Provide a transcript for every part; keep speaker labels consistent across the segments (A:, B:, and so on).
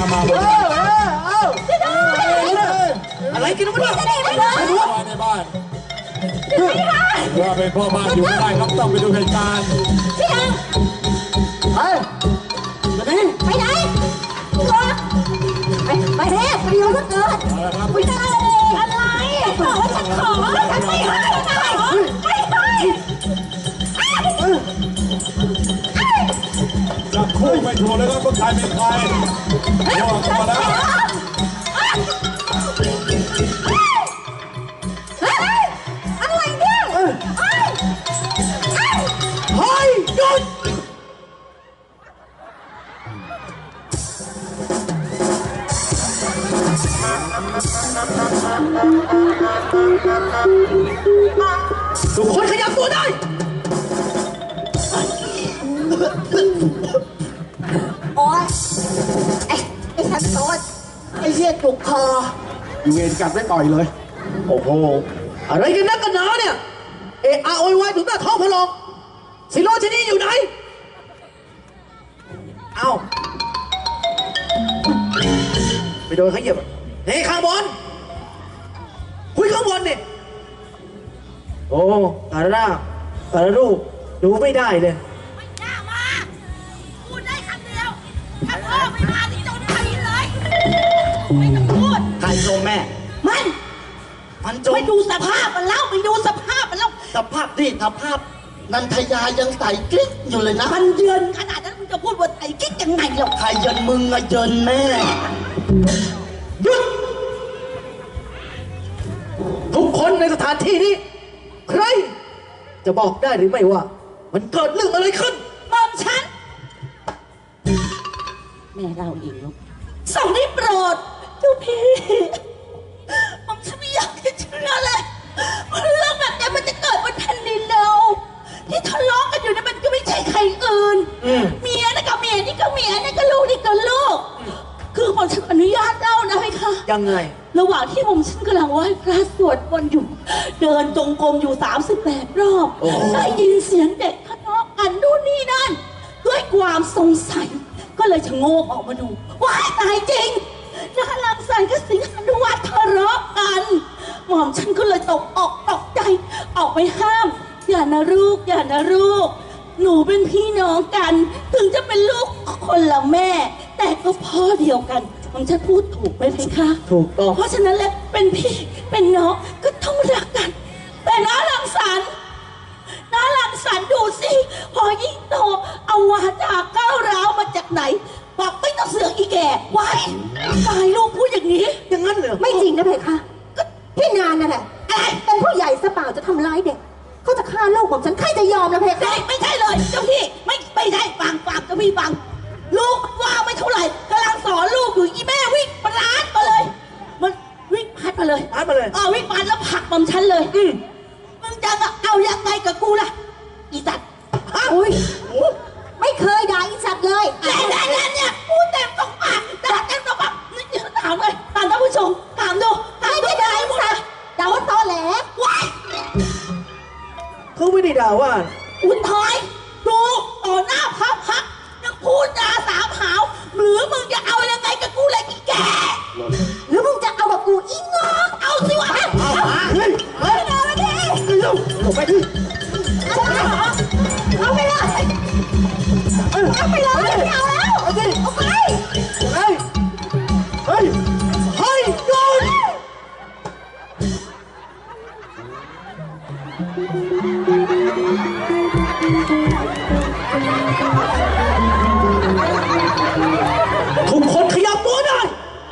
A: มา
B: อะไรกินวะเนี่ย
A: ในบ้านว่าเป็นพ่อบ้านอยู่ไม่ได้ครับต้องไปดูเหตุการณ์
C: พี่ดัง
B: ไป
C: ไปไหนไปเทพไปอยู่ก็เกิดไปได้อะไรบอกว่าฉันขอฉันไม่ให้ไม่ให้
A: จับคู่ไม่ถูกเลยครับว่าใครเป็นใครบอกกันมาแล้ว
C: อะไรเนี่ย
B: เฮ้ยหยุดทุกคนขยับตัวได้
C: โอ๊ยไอ้ฉันโต๊ด
B: ไอ้เหี้ยจุกคออยู่เวรกัดไม่ต่อยเลยโอ้โหอะไรกันนักกันหนาเนี่ยเอะอะโวยวายถึงหน้าท้องพลองสิโรชนีอยู่ไหนเอาไปโดนเขาเหยียบเฮ้ยข้างบนคุยข้างบนเนี่ยโอ้ตาละตาละลูกดูไม่ได้เลย
D: ไม่น่ามาพูดได้คำเดียวถ้าพ่อไม่มาที่โดนตีเลยไม่ต้องพูด
B: ใครโจมแม่มันโจม
D: ไปดูสภาพมันแล้วไปดูสภาพมันแล้ว
B: สภาพดิสภาพนันทยายังใส่กิ๊กอยู่เลยนะ
D: มันเยินขนาดนั้นมึงจะพูดว่าไอ้กิ๊กยังไงหรอก
B: ใครเยินมึงอะเยินแม่หยุดทุกคนในสถานที่นี้ใครจะบอกได้หรือไม่ว่ามันเกิดเรื่องอะไรขึ้น
D: มอมฉันแม่เล่าเองลูกส่งได้โปรดเจ้าพี่มอมฉันไม่อยากจะเชื่อเลยว่าเรื่องแบบนี้มันจะเกิดบนแผ่นดินเราที่ทะเลาะกันอยู่เนี่ยมันก็ไม่ใช่ใครอื่นเมียนะกับเมียนี่ก็เมียนี่ก็ลูกนี่ก็ลูกคือผมฉันอนุญาตเล่านะไหมคะ
B: ยังไง
D: ระหว่างที่ผมฉันกำลังไหว้พระสวดมนต์อยู่เดินจงกรมอยู่38 รอบได้ยินเสียงเด็กทะเลาะกันนู่นนี่นั่นด้วยความสงสัยก็เลยชะโงกออกมาดูว้ายตายจริงนาลังสรรค์กับสิงหานุวัฒน์ทะเลาะกันหม่อมฉันก็เลยตกใจออกไปห้ามอย่านะลูกอย่านะลูกหนูเป็นพี่น้องกันถึงจะเป็นลูกคนละแม่แต่ก็พ่อเดียวกันผมจะพูดถูกไหมเพคะ
B: ถูกต้อง
D: เพราะฉะนั้นแล้วเป็นพี่เป็นน้องก็ต้องรักกันแต่น้าลังสรรค์ดูสิพอยิ่งโตเอาวาจาก้าวร้าวมาจากไหนบอกไม่ต้องเสือกอีแก่ไว้ตายลูกพูดอย่างนี้
B: อย่างนั้นเหรอ
C: ไม่จริงนะเพคะพี่นานนั่นแหละเป็นผู้ใหญ่สเปล่าจะทำร้ายเด็กเขาจะฆ่าลูกของฉันใครจะยอมนะเพคะ
D: ไม่ใช่เลยเจ้าพี่ไม่ใช่ฟังเจ้าพี่ฟังลูกว่าไม่เท่าไหร่กำลังสอนลูกอยู่อีแม่วิ่งปราดมาเลยมันวิ่งพัดมาเลยวิ่งพัดแล้วผลักบอมฉันเลยมึงจะเอายังไงกับกูล่ะอีสัตว์
C: อุ้ยไม่เคยด่าอีสัตว์เลย
D: แต่เนี่ยพูดเต็มสองปากด่าเต็มสองปากนี่ถามเลยถามท่านผู้ชมถามดู
C: ไม่ได้ด่าอีสัตว์ด่าว่าตอแหล
D: ว้าย
B: เขาไม่ได้ด่าว่า
D: อุนทอยดูต่อหน้าพระพักยังพูดด่าสามหาวหรือมึงจะเอายังไงกับกูเลยอีแก
C: หรือมึงจะเอากับกูอีงอก
D: เอาสิวะ
C: เฮ้ยเอาไปดิ
B: ผมไปดิ
C: เอาไปเลยไม่เอาแล้ว
B: เอาสิ
C: เอาไป
B: เฮ้ยโดนทุกคนขยับตัวได้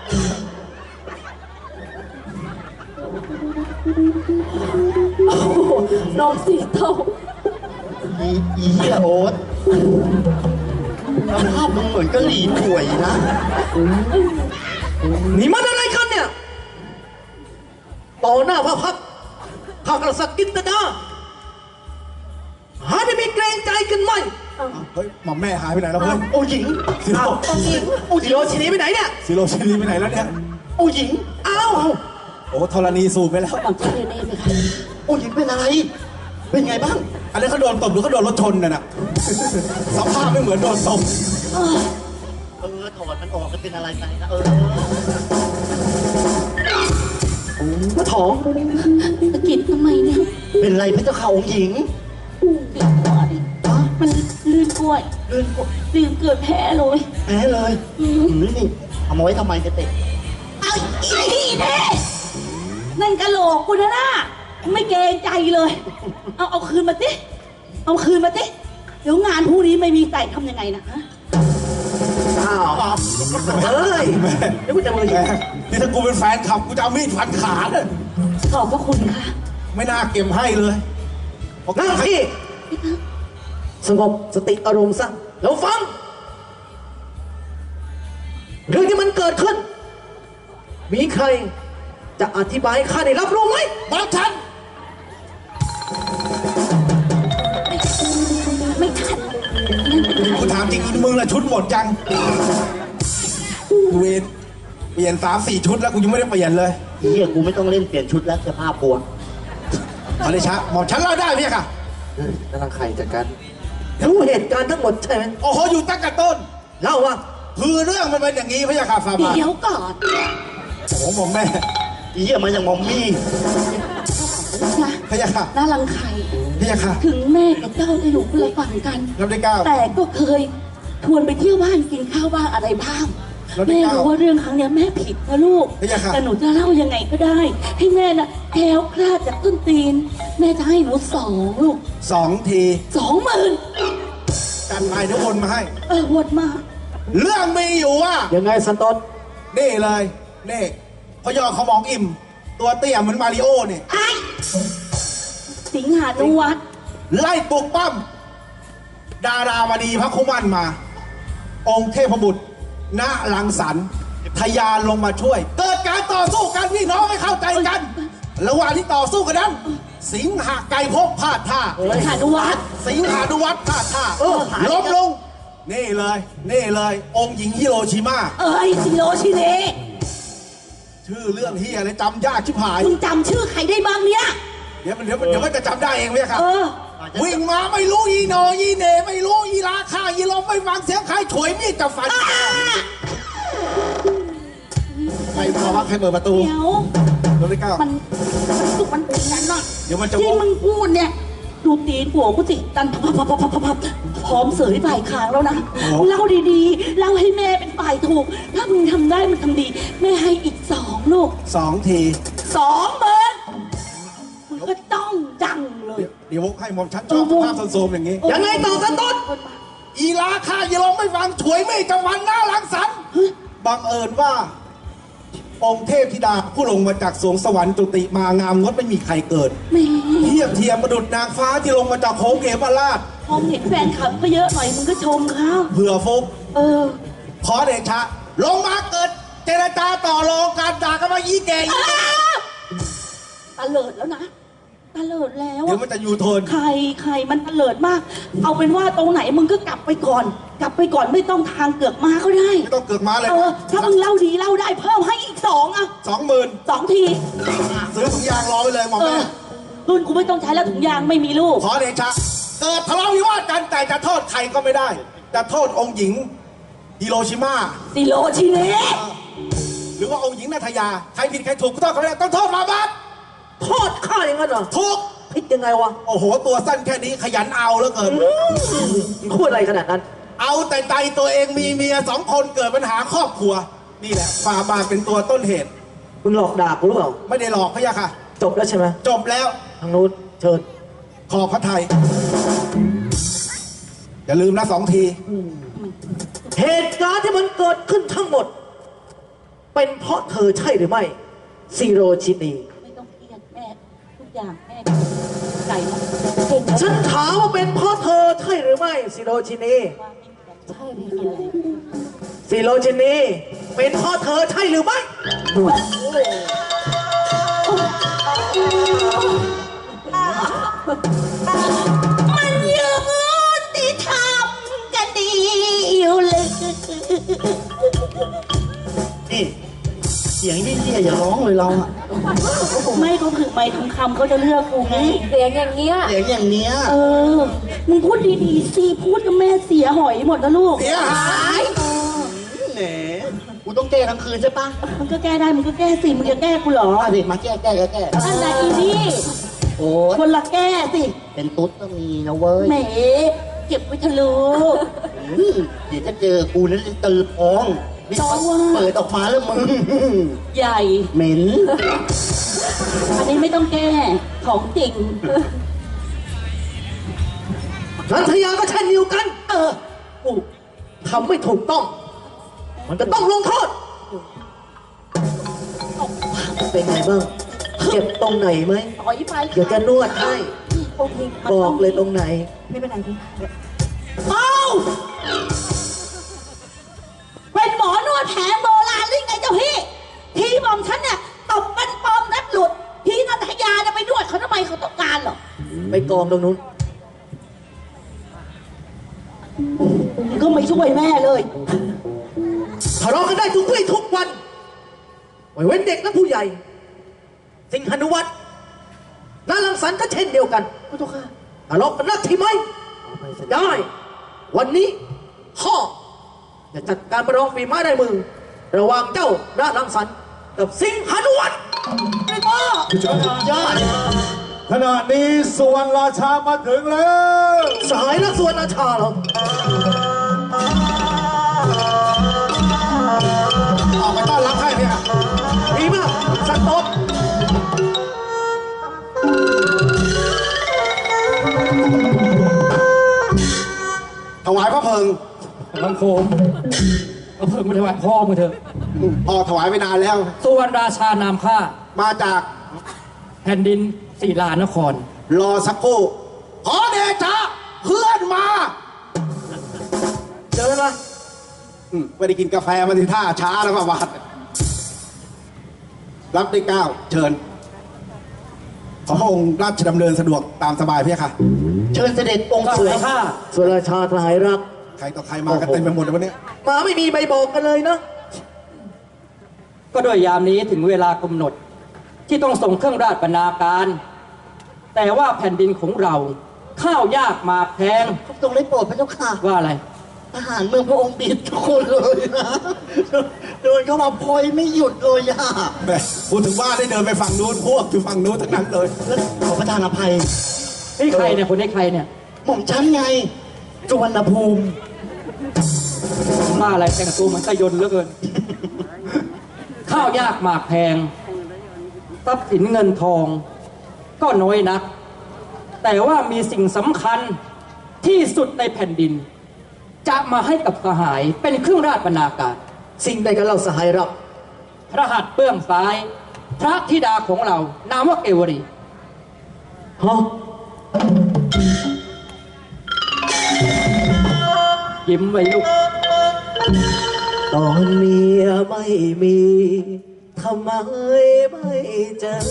D: น้องสีเทา
B: อีเหี้ยโอ๊ตสภาพมึงเหมือนกะหรี่ป่วยนะนี่มันอะไรกันเนี่ยต่อหน้าพระพักข้ากระสักกินตนาหาได้มีเกรงใจกันไหม
A: เฮ้ยหม่อมแม่หายไปไหนแล้วเพื่อน
B: โอ้หญิงสิโรชินีไปไหนเนี่ย
A: สิโรชินีไปไหนแล้วเนี่ย
B: โอ้หญิงอ้าว
A: โอ้ธรณีสูบไปแล้ว
B: โอ้หญิงเป็นอะไรเป็นไงบ้าง
A: อันนี้เขาโดนตบหรือเขาโดนรถชนน่ะสภาพไม่เหมือนโดนตบ
E: ถอดมันออกก็เป็นอะไรไปนะ
B: ก็ท้อง
D: ตะกิดทำไมเนี่ย
E: เป็นไรพระเจ้าข่าองค์หญิง
D: ติดหัวดิมันลื่นกล้วย
E: ลื่นกว่า
D: ลื่นเกิดแผลเลย
E: แพ้เลยนี่เอามาไว้ทำไมจะเตะ
D: เอาอีนี่แน่นั่นกะโหลกกูนะน่ะไม่เกรงใจเลย เอาคืนมาสิเอาคืนมาสิเดี๋ยวงานพรุ่งนี้ไม่มีใส่ทำยังไงนะฮะ
B: อ้าวเฮ้ยเดี๋ยวกูจะมือยิง
A: นี่ถ้ากูเป็นแฟนขับกูจะเอามีดฟันขาเลย
D: ขอบพระคุณค่ะ
A: ไม่น่าเก็บให้เลย
B: นั่งที่สงบสติอารมณ์ซะแล้วฟัง เรื่องที่มันเกิดขึ้น มีใครจะอธิบายให้ข้าได้รับรู้ไหม
A: บอกฉัน
D: ไม่ทัน
A: กูถามจริงมึงละชุดหมดจังเวรเปลี่ยน3-4 ชุดแล้วกูยังไม่ได้เปลี่ยนเลย
E: เฮียกูไม่ต้องเล่นเปลี่ยนชุดแล้วเสื้อผ้าปวด
A: ขอเดชะหมอมฉันเล่าได้ไหมค่ะ
B: นั่นใครจัดการรู้เหตุการณ์ทั้งหมดใช่ไหม
A: โอ้โหอยู่ตั้งแต่ต้น
B: เล่าว่า
A: คือเรื่องมันเป็นอย่างนี้พระยาค่ะฟาบาท
D: เดี๋ยวก่อน
A: โอ้โหหมอมแม่
E: เฮียมาอย่างมอมมี่
D: นะ
A: พระยาค่ะ
D: น่ารังไข่
A: พระยาค่ะ
D: ถึงแม่กับเจ้าจะอยู่คนละฝั่งกัน
A: รับได้เก้า
D: แต่ก็เคยชวนไปเที่ยวบ้านกินข้าวบ้างอะไรบ้าง
A: แล้วได้
D: แม่
A: เก้า
D: รู้ว่าเรื่องครั้งเนี้ยแม่ผิดนะลูก
A: พระยาค่ะ
D: แต่หนูจะเล่ายังไงก็ได้ ให้แม่น่ะแคล้วคลาดจากต้นตีน แม่จะให้หนู2ลูก
A: 2 ที
D: 20,000
A: กันไปเดี๋ยวโอนมาให้
D: วดมา
A: เรื่องมีอยู่ว่า
B: ยังไงสันตน
A: นี่เลยนี่พยอเขามองอิ่ม ตัวเตี้ยเหมือนมาริโอเนี่ย
D: ไอ้สิงหานุวัฒน์
A: ไล่ปลุกปั้มดาราวดีพระคุมันมา องค์เทพบุตรณลังสรรค์ทยานลงมาช่วย เกิดการต่อสู้กันพี่น้องให้เข้าใจกัน ระหว่างที่ต่อสู้กันนั้น สิงหาไก่พบพลาดท่า
D: สิงหานุวัฒน์
A: สิงหานุวัฒน์พลาดท่าล้มลง นี่เลยนี่เลย องค์หญิงฮิโรชิมา
D: ซิโรชิเนะ
A: ชื่อเรื่องเฮียอะไรจำยากชิบหาย
D: มึงจำชื่อใครได้บ้างเนี่ย
A: เดี๋ยวมันจะจำได้เองไหมครับ
D: เออ
A: วิ่งมาไม่รู้อีโนอีเหนไม่รู้อีราคาอีลมไม่ฟังเสียงใครถวยมีดจะฟันใครมาว่าใครเปิดประตู
D: เดี๋ยว
A: รถที่เก้า
D: มันเป็นงั้นน่ะ
A: เดี๋ยวมันจะ
D: ที่มึงพูดเนี่ย ดูตีนหัวกูสิดันพับพร้อมเสยฝ่ายค้างแล้วนะเล่าดีๆเล่าให้แม่เป็นฝ่ายถูก ถ้ามึงทำได้มันทำดี แม่ให้อีก2ลูก
A: 2 ที
D: 20,000มึงก็จ้องจังเลย
A: เดี๋ยวให้หมอมฉันชอบสภาพโซมๆอย่างนี้
B: ยังไงต่อสันตน
A: อีราคาอีลมไม่ฟังถวยมีดจะฟันหน้าหลังสันบังเอิญว่า องค์เทพธิดาผู้ลงมาจากสวงสวรรค์จุติมางามงดไม่มีใครเกิด
D: แม่
A: เทียบเทียมประดุจนางฟ้าที่ลงมาจากโค้งเขมราช
D: พอเห็นแฟนคลับก็เยอะหน่อยมึงก็ชมเขา
A: เผื่อฟุก
D: เออ
A: ขอเดชะ ลงมาเกิด เจรจาต่อรองการด่ากันมายี่แก่ยี่
D: ตะเลิดแล้วนะตะเลิดแล้ว
A: เดี๋ยวมันจะยูโทน
D: ใครมันตะเลิดมาก เอาเป็นว่าตรงไหนมึงก็กลับไปก่อน กลับไปก่อนไม่ต้องทางเกือกมาก็ได้
A: ไม่ต้องเกิดมาเลย
D: ถ้ามึงเล่าดีเล่าได้เพิ่มให้อีก2อ่ะ
A: 20,000
D: 2 ที
A: ซื้อถุงยางรอไปเลยหมอ
D: เอ
A: แม่
D: อรุ่นกูไม่ต้องใช้แล้วถุงยางไม่มีลูก
A: ขอเดชะ เกิดทะเลาะวิวาทกันแต่จะโทษใครก็ไม่ได้ จะโทษองค์หญิงฮิโรชิมา
D: ซิโรชิเนะ
A: หรือว่าองค์หญิงนาทยา ใครผิดใครถูกก็ต้องเขาไม่ได้ต้องโทษมาบัด
B: โทษข้าอย่างนั้นเหรอ
A: ถูก
B: ผิดยังไงวะ
A: โอ้โห ตัวสั้นแค่นี้ขยันเอาแล้วเกิน
B: มึงพูดอะไรขนาดนั้น
A: เอาแต่ใจตัวเองมีเมีย2 คนเกิดปัญหาครอบครัว นี่แหละฝ่าบาทเป็นตัวต้นเหตุ
B: มึงหลอกด่ากูหรือเปล่า
A: ไม่ได้หลอกพะยะค่ะ
B: จบแล้วใช่ไหม
A: จบแล้ว
B: ทางนู้นเชิญ
A: ขอบพระไทย อย่าลืมนะ2 ที
B: เหตุการณ์ที่มันเกิดขึ้นทั้งหมด เป็นเพราะเธอใช่หรือไม่ซีโรชินี
D: ไม่ต้องเครียดแม่ทุกอย่างแม่ไก่เนาะเก่งแล้ว
B: ฉันถามว่าเป็นเพราะเธอใช่หรือไม่ซีโรชินี
D: ใช่ไม่มีอะไร
B: ซีโรชินีเป็นเพราะเธอใช่หรือไม่
D: มันยืนที่ทำกันดีอยู่เลย
E: นี่เสียงเยี่ยๆอย่าร้องเลยเราอะ
D: ไม่ก็คือไม่ทองคำเขาจะเลือกกูไง
C: เสียงอย่างเงี้ย
E: เสียงอย่างเนี้ย
D: เออ มึงพูดดีๆสิ พูดกับแม่เสียหอยหมดนะลูก
A: เสียหาย
E: กูต้องแก้ทั้งคืนใช่ปะ
D: มันก็แก้ได้มึงก็แก้สิมึงจะแก้กูเหรอ
E: มาดิมาแก้
D: อันไหนอีนี่
E: โอ้ย
D: คนละแก้สิ
E: เป็นตุ๊ดก็มีนะเว้ย
D: แหมเก็บไว้ทะลุ
E: เดี๋ยวจะเจอกูนั้นจะตือพองนี่
D: จ้าว่า
E: เปิดออกมาแล้วมึง
D: ใหญ่
E: เหม็น
D: อันนี้ไม่ต้องแก้ของจริง
B: นันทยาก็เช่นเดียวกัน กูทำไม่ถูกต้อง มันจะต้องลงโทษ เป็นไงบ้าง เจ็บตรงไหนไหม
D: ต่อยไป
B: เดี๋ยวจะนวดให้
D: โอเค
B: บอกเลยตรงไหน
D: ไม่เป็นไรพี่เอ้าเป็นหมอนวดแผนโบราณหรือไงเจ้าพี่พี่หม่อมฉันเนี่ยตบเป็นปอมนัดหลุดพี่นันทยาจะไปนวดเขาทำไมเขาต้องการเหรอ
B: ไปกองตรงนู้น
D: มันก็ไม่ช่วยแม่เลย
B: ทะเลาะกันได้ทุกวี่ทุกวันไม่เว้นเด็กและผู้ใหญ่ สิงหนุวัฒน์นาลังสรรค์ก็เช่นเดียวกันพระเจ้าค่ะทะเลาะกันนักที่ไหมได้ วันนี้พ่อจะจัดการประลองฝีไม้ลายมือ ระหว่างเจ้านาลังสรรค์กับสิงหนุวัฒน์ไอ้พ่อยอด
A: ขณะนี้สุวรรณราชามาถึงแล้ว
B: สายและส่วนอาชาเหรอ
A: ออกไปต้อนรับให้เนี่ย
B: ดีมากสักตบ
A: ถวายพระเพลิง
F: บังโคมเอาเพิ่งมาถวายพ่อมึงเถอะ
A: พ่อถวายไปนานแล้ว
F: สุวรรณราชานามข้า
A: มาจาก
F: แผ่นดินศิลานคร
A: รอสักครู่ขอเดชะเพื่อนมา
B: เจอแล้วไหม
A: ไม่ได้กินกาแฟมาที่ท่าช้าแล้วมาบาดรับได้เก้าเชิญ ขอพระองค์ราชดำเนินสะดวกตามสบายเพี่ยค่ะ
E: เชิญเสด็จองค์
F: ก็
E: สวย
F: ให้ข้า
B: ส่วนราชาทหายรัก
A: ใครต่อใครมากันเต็มไปหมดเลยวันนี้
B: มาไม่มีใบบอกกันเลยเนาะ
F: ก็ด้วยยามนี้ถึงเวลากำหนด ที่ต้องส่งเครื่องราชบรรณาการ แต่ว่าแผ่นดินของเราข้าวยากหมากแพง
E: ทรงได้โปรดพระเจ้าค่ะ
F: ว่าอะไร
E: ทหารเมืองพระองค์บิดทุกคนเลยนะเดินเข้ามาพลอยไม่หยุดเลยอะ
A: แหม่พูดถึงว่าได้เดินไปฝั่งนู้นพวกอยู่ฝั่งนู้นทั้งนั้นเลย
E: แล้วขอประทานอภัย
F: นี่ใครเนี่ยคนนี้ใครเนี่ย
E: หม่อมฉันไงสุวรรณภูมิ
F: มาอะไรแต่งตัวเหมือนไก่ยนต์เหลือเกิน ข้าวยากหมากแพงทรัพย์สินเงินทอง ก็น้อยนัก แต่ว่ามีสิ่งสำคัญที่สุดในแผ่นดิน จะมาให้กับสหายเป็นเครื่องราชบรรณาการ
B: สิ่งใดกันเราสหายรัก
F: พระหัตถ์เบื้องซ้าย พระธิดาของเรานามว่าเกวรี
B: ฮะ
F: ยิ้มไว้ลูก
B: ตอนเมียไม่มีทำไมไม่เจอ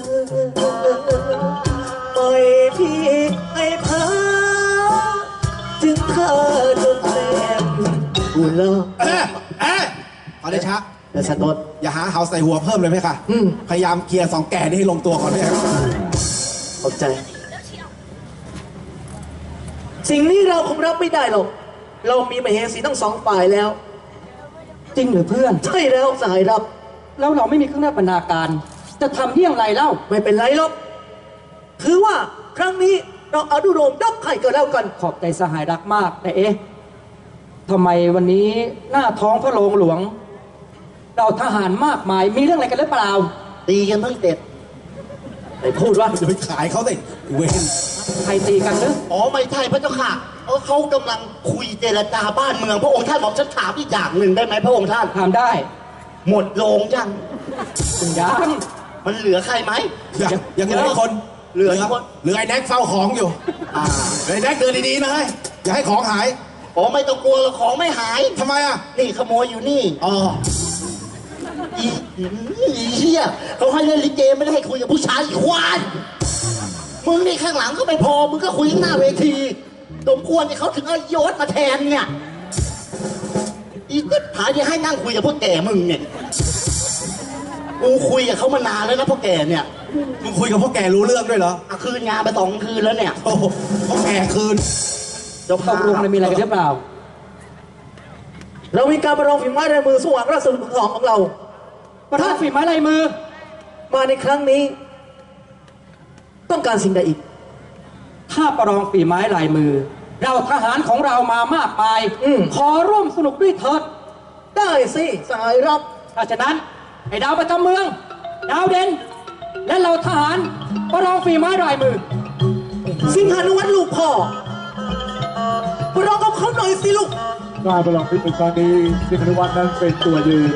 B: ปล่อยพี่ให้พาจึงเธอจนเต็มอุล
A: ขอเดชะ
B: และสตด
A: อย่าหาเฮาใส่หัวเพิ่มเลยไหมค่ะ
B: อืม
A: พยายามเคลียร์สองแก่นี่ให้ลงตัวก่อนเนี่ย
B: ขอบใจ สิ่งนี้เราคงรับไม่ได้หรอก เรามีมเหสีทั้งสองฝ่ายแล้ว
F: จริงหรือเพื่อน
B: ใช่แล้วสหายรัก
F: แล้วเราไม่มีเครื่องราชบรรณาการ จะทำเยี่ยงไรเล่า
B: ไม่เป็นไรหรอกคือว่าครั้งนี้เราอนุโลมยกให้ก็แล้วกัน
F: ขอบใจสหายรักมาก แต่เอ๊ะทำไมวันนี้หน้าท้องพระโรงหลวง เราทหารมากมายมีเรื่องอะไรกันหรือเปล่า
E: ตีกันทั้งเด็ด
B: ไปพูดว่า
A: จะไปขายเขาสิเวน
F: ใครตีกันหรือ
E: อ๋อไม่ใช่พระเจ้าค่ะเขากำลังคุยเจรจาบ้านเมืองพระองค์ท่านหม่อมฉันถามอีกอย่างหนึ่งได้ไหมพระองค์ท่าน
F: ถามได้
E: หมดโรงยัง
F: คุณยัง
E: มันเหลือใครไหม
A: ยังเหลืออีกคน
E: เหลืออีกคน
A: เหลือไอ้แน็กเฝ้าของอยู่ไอ้แน็กเดินดีๆนะเฮ้ยอย่าให้ของหาย
E: อ๋อไม่ต้องกลัวหรอกของไม่หาย
A: ทำไมอ่ะ
E: นี่ขโมยอยู่นี่
A: อ๋อ
E: อีเหี้ยเขาให้เล่นลิเกไม่ได้ให้คุยกับผู้ชายอีกควายมึงนี่ข้างหลังก็ไม่พอมึงก็คุยข้างหน้าเวทีสมควรที่เขาถึงเอายศมาแทนเนี่ยอีกก็หาที่ให้นั่งคุยกับพวกแก่มึงเนี่ยกูคุยกับเขามานานแล้วนะพวกแก่เนี่ย
A: มึงคุยกับพวกแกรู้เรื่องด้วยเหรอ
E: คืนงานไป2 คืนแล้วเนี่ย
A: โอ้โหพวกแกคืน
E: เจ้า
F: ต
E: ภาพ
F: กลงอะไรมีอะไรกันหรือเปล่า
B: เรามีการประลองฝีไม้ลายมือสว่างราชบุตรของเรา
F: ประทับฝีไม้ลายมือ
B: มาในครั้งนี้ ต้องการสิ่งใดอีก
F: ถ้าประลองฝีไม้ลายมือ เราทหารของเรามามากมาย ขอร่วมสนุกด้วยเถิด
B: ได้สิสหายรับ
F: ถ้าฉะนั้นไอ้ดาวประจำเมือง ดาวเด่น และเราทหารประลองฝีไม้ลายมือ
B: สิงหานุวัฒน์ลูกพ่อประลองกับเขาหน่อยสิลูก
G: การประลองพิษในครั้งนี้สิงห์นิวัฒน์นั้นเป็นตัวยืน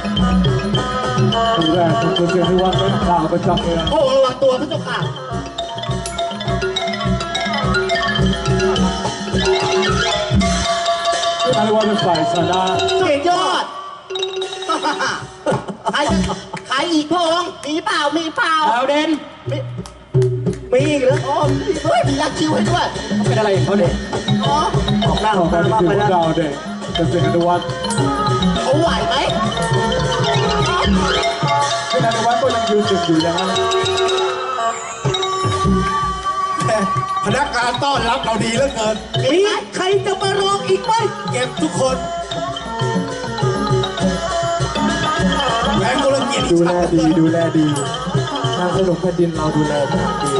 G: คนแรกคือสิงห์นิวัฒน์นั้นดาวประจำเมือง
E: โอ้ระวังตัวพระเจ้าค่ะ
G: สิงห์นิวัฒน์เป็นฝ่ายชนะ
E: สุดยอด ใครอีกพงมีเปล่า มีเปล่า
F: ดาวเด่น
B: มีอีกเหรอ
E: อ๋อเฮ้ยมียักษ์คิวให้ด้วย
F: เขาเป็นอะไรของเขาเนี่ย
E: อ๋อ
B: ออกหน้าอ
G: ต่
B: อ
G: อก ไป
B: ตา
G: นี่
B: มาก
G: คือ
B: ไป
G: พว
B: แล้ว
G: กเราเด็กกับสิงห์นิวัฒน์
E: เขาไหวไหม
G: สิงห์นิวัฒน์ก็ยังยืนอยู่อย่างนั้น
A: แต่พนักงานต้อนรับเราดีเหลือเกิน
B: มีใครจะมาลองอีกไหม
A: เก็บทุกคนแหวนกุลเกียรติ
G: ดูแลดีทางสนุกแผ่นดินเราดูแลเป็นอย่างดี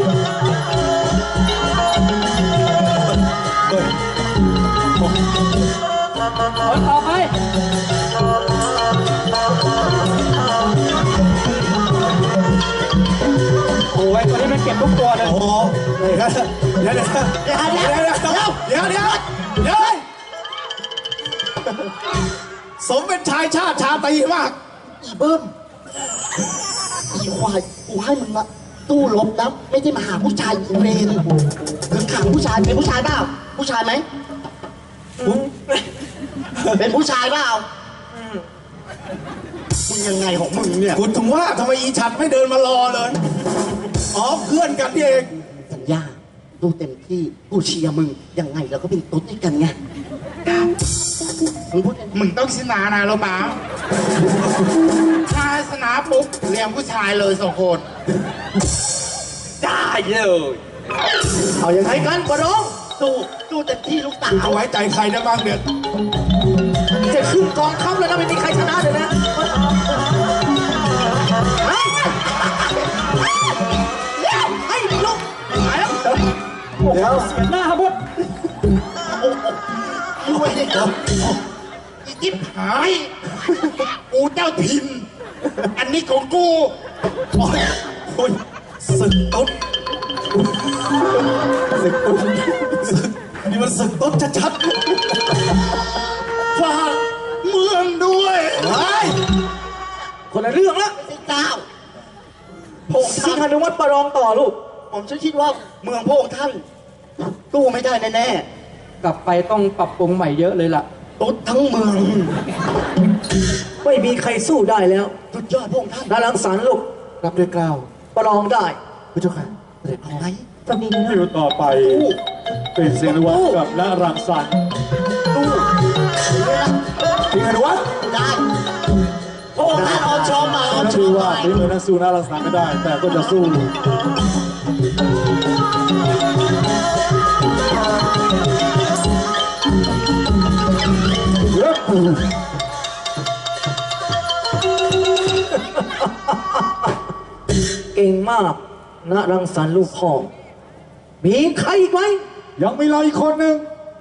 F: คนต่อไป โอ้ยตัวนี้มันเก็บทุกตัวเลย
A: โอ้โหเดี๋ยวสมเป็นชายชาติชาตรีมาก
E: อีเบิ้มอีควายกูให้มึงมาตู้ลบนะไม่ได้มาหาผู้ชายอีเวนถึงขังผู้ชายเป็นผู้ชายเปล่าผู้ชายไหมเป็นผู้ชายเปล่ามึงยังไงของมึงเนี่ย
A: คุณถึงว่าทำไมอีฉัดไม่เดินมารอเลย อ๋อเพื่อนกันนี่เอง
E: สัญญาดูเต็มที่กูเชียร์มึงยังไงเราก็เป็นตุ๊ดด้วยกันไงมึงพูด
H: มึงต้องชนะนะรู้มั้ยถ้าชนะปุ๊บเลี้ยงผู้ชายเลย2 คน
F: ได้เลย
B: เอาอย่างไรกันประลอง
E: ดูเต็มที่ลูกสา
A: คุณจะ
E: ว
A: ไว้ใจใครได้บ้างเนี่ย
B: จะขึ้นกองทัพแล้วนะไม่มีใครชนะเลยนะเฮ้ยให้ลูก
G: เดี๋ยว
F: เสียหน้าหมด
E: ด้วยเนี่ย
H: อีจิ๊บหายกูเจ้าถิ่นอันนี้ของกู
A: โอ้ยโอ้ยศึกตุ๊ดศึกตุ๊ดนี่มันศึกตุ๊ดชัด
H: ฝากเมืองด้วย
A: ๆเฮ้ย
B: คนละเรื่องละ
E: ไม่ใช่เจ้าพง
B: สิง
E: ท่าน
B: หานุวัฒน์ประลองต่อลูก
E: ผมคิดว่าเมืองพระองค์ท่านตู้ไม่ได้แน่
F: กลับไปต้องปรับปรุงใหม่เยอะเลยล่ะ
E: ๆตุ๊ดทั้งเมือง
B: ไม่มีใครสู้ได้แล้ว
E: สุดยอดพระองค์ท่าน
B: นารังสรรค์ลูก
G: รับด้วยกล้าว
B: ประลองได้
G: พระเจ้าค่ะเสด็จพ่อ
E: ไหน
B: ตอนนี้นะ
G: คิวต่อไปเป็นสิงห์นิวัฒน์กับและรังสรรค์
E: ตู้เวลา
G: สิงห์นิวัฒน์
E: ได้พระองค์ท่านออนชอมมาออนช
G: ชื่
E: อ
G: อ
E: ม
G: ว่า
E: มา
G: ฝีมือนั้นสู้น่ารังสรรค์ไม่ได้ แต่ก็จะสู้
B: เก่งมากนารังสรรค์ลูกพ่อมีใครอีกไหม
G: ยังมีเราอีกคนหนึ่ง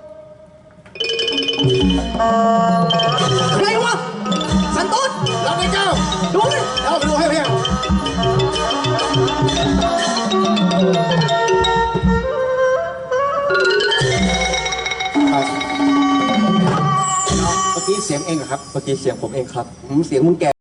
B: ใครวะสันต้น
A: เราไม่เจ้า
B: ดูเลย
A: เอาไปดูให้เพียงเมื่อกี้เสียงเองเหรอครับ
I: เมื่อกี้เสียงผมเองครับเสียงมึงแก่